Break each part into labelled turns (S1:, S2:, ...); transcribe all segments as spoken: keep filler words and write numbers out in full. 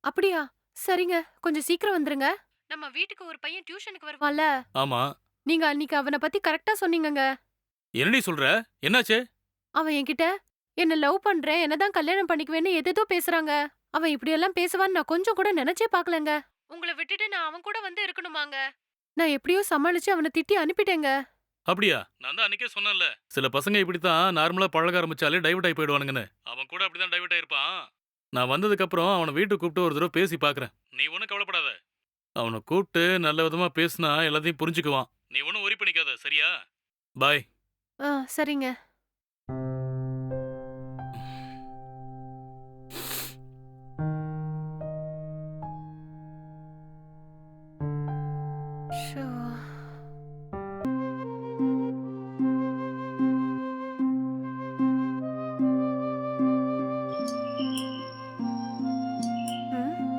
S1: அப்படியா? சரிங்க. கொஞ்சம் சீக்கிரம் வந்துருங்க. நம்ம வீட்டுக்கு ஒரு பையன் டியூஷனுக்கு வருவான்ல.
S2: ஆமா.
S1: நீங்க அன்னிக்கு அவன பத்தி கரெக்ட்டா சொன்னீங்கங்க.
S2: என்னடி சொல்ற? என்னாச்சு?
S1: அவன் என்கிட்ட என்ன லவ் பண்றேன், என்ன தான் கல்யாணம் பண்ணிக்குவேன்னு ஏதேதோ பேசுறாங்க. அவன் இப்படியெல்லாம் பேசுவான்னு நான் கொஞ்சம் கூட நெனச்சே பாக்கலங்க. உங்கள விட்டுட்டு நான் அவன் கூட வந்து இருக்கணுமாங்க? நான் எப்படியோ சமாளிச்சு அவன திட்டி அனுப்பிட்டேங்க.
S2: அப்படியா? நான் தான் அன்னைக்கே சொன்னேன்ல. சில பசங்க இப்படித்தான் நார்மலா பழக ஆரம்பிச்சாலே டைவர்ட் ஆயி போயிடுவானுங்கன்னு. அவன் கூட அப்படிதான் டைவர்ட் ஆயிருப்பான். நான் வந்ததுக்கு அப்புறம் அவன வீட்டுக்கு கூப்பிட்டு ஒரு தடவ பேசி பார்க்கிறேன். நீ ஒண்ணும் கவலைப்படாத. அவன கூப்பிட்டு நல்ல விதமா பேசினா எல்லாத்தையும் புரிஞ்சுக்குவான். நீ ஒண்ணும் வொரி பண்ணிக்காத. சரியா? பாய்.
S1: ஆ, சரிங்க. ஷோ! ம்.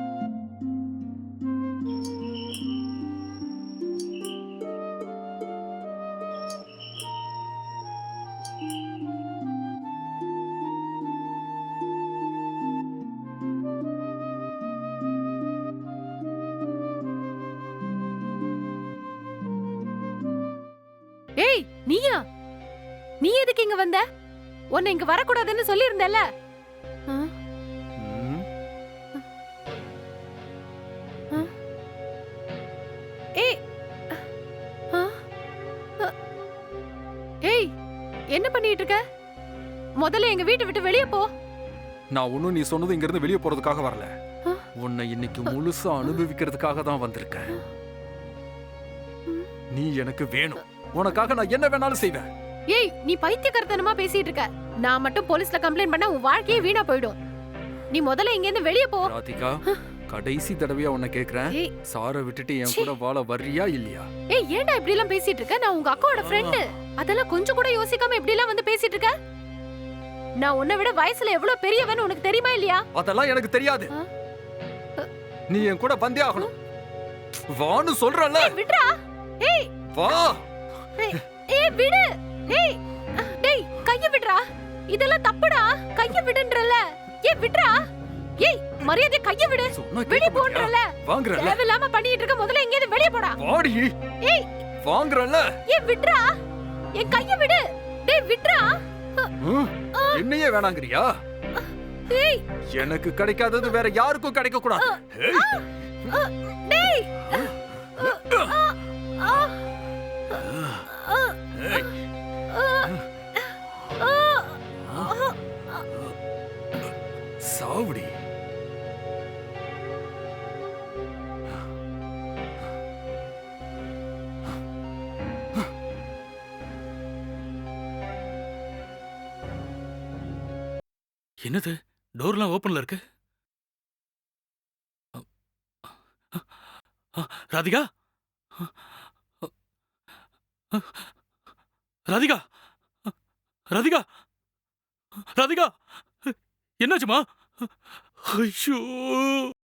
S1: ஏய்! நீயா? நீ எதுக்கு இங்க வந்த? உன்னை இங்க வரக்கூடாதுன்னு சொல்லியிருந்தேல்ல? ஆ?
S3: ம்.
S1: ஆ? ஏய்! ஆ? அ ஏய்! என்ன பண்ணிட்டு இருக்க? முதல்ல எங்க வீட்ட விட்டு வெளிய போ.
S3: நான் ஒண்ணும் நீ சொன்னது இங்க இருந்து வெளிய போறதுக்காக வரல.
S1: ஆ?
S3: உன்னை இன்னைக்கு முழுசா அனுபவிக்கிறதுக்காக தான் வந்திருக்கேன்.
S1: ம்.
S3: நீ எனக்கு வேணும். உனக்காக நான் என்ன வேணாலும் செய்வேன்.
S1: ஏய்! நீ பைத்தியக்காரத்தனமா பேசிட்டு இருக்க. நான் மட்டும் போலீஸ்ல கம்ப்ளைண்ட் பண்ணா உன் வாழ்க்கையே வீணா போயிடும். நீ முதல்ல இங்க இருந்து வெளிய போ.
S3: ராதிகா, கடைசி தடவையா உன்னை கேக்குறேன்.
S1: ஏய்!
S3: சார விட்டுட்டு என் கூட வாழ வர்றியா இல்லையா?
S1: ஏய், ஏன்டா இப்படி எல்லாம் பேசிட்டு இருக்க? நான் உங்க அக்காவோட ஃப்ரெண்ட். அதெல்லாம் கொஞ்சம் கூட யோசிக்காம இப்படி எல்லாம் வந்து பேசிட்டு இருக்க? நான் உன்னை விட வயசுல எவ்வளவு பெரியவன்னு உனக்கு தெரியுமா இல்லையா?
S3: அதெல்லாம் எனக்கு தெரியாது.
S1: ஆ?
S3: நீ என் கூட வந்தே ஆகணும். வான்னு சொல்றல.
S1: ஏய், விட்றா. ஏய்!
S3: வா.
S1: ஏய், ஏய், விடு. ஏய்! டேய், கைய விடுடா. இதெல்லாம் தப்புடா. கைய விடுன்றல. ஏய், விட்றா. ஏய், மரியாதை கைய விடு.
S3: சொன்னா
S1: வெளிய
S3: கேட்க மாட்டியா?
S1: போன்றல.
S3: வாங்குறல.
S1: தேவையில்லாம பண்ணிட்டு இருக்க. முதல்ல எங்க இருந்து வெளிய போடா.
S3: வாடி.
S1: ஏய்!
S3: வாங்குறல.
S1: ஏய், விட்றா. என் கைய விடு. டேய், விட்றா.
S3: ம். என்னையே வேணாங்கறியா?
S1: ஏய்!
S3: எனக்கு கிடைக்காதது வேற யாருக்கும் கிடைக்க கூடாது. ஏய்.
S1: அ, டேய்! ஆ! ஆ!
S3: ஏய். சாவுடி.
S2: என்னது? டோர்லாம் ஓபன்ல இருக்கு. அ, ராதிகா? ராதிகா? ராதிகா? ராதிகா? என்னாச்சுமா? ஐயோ!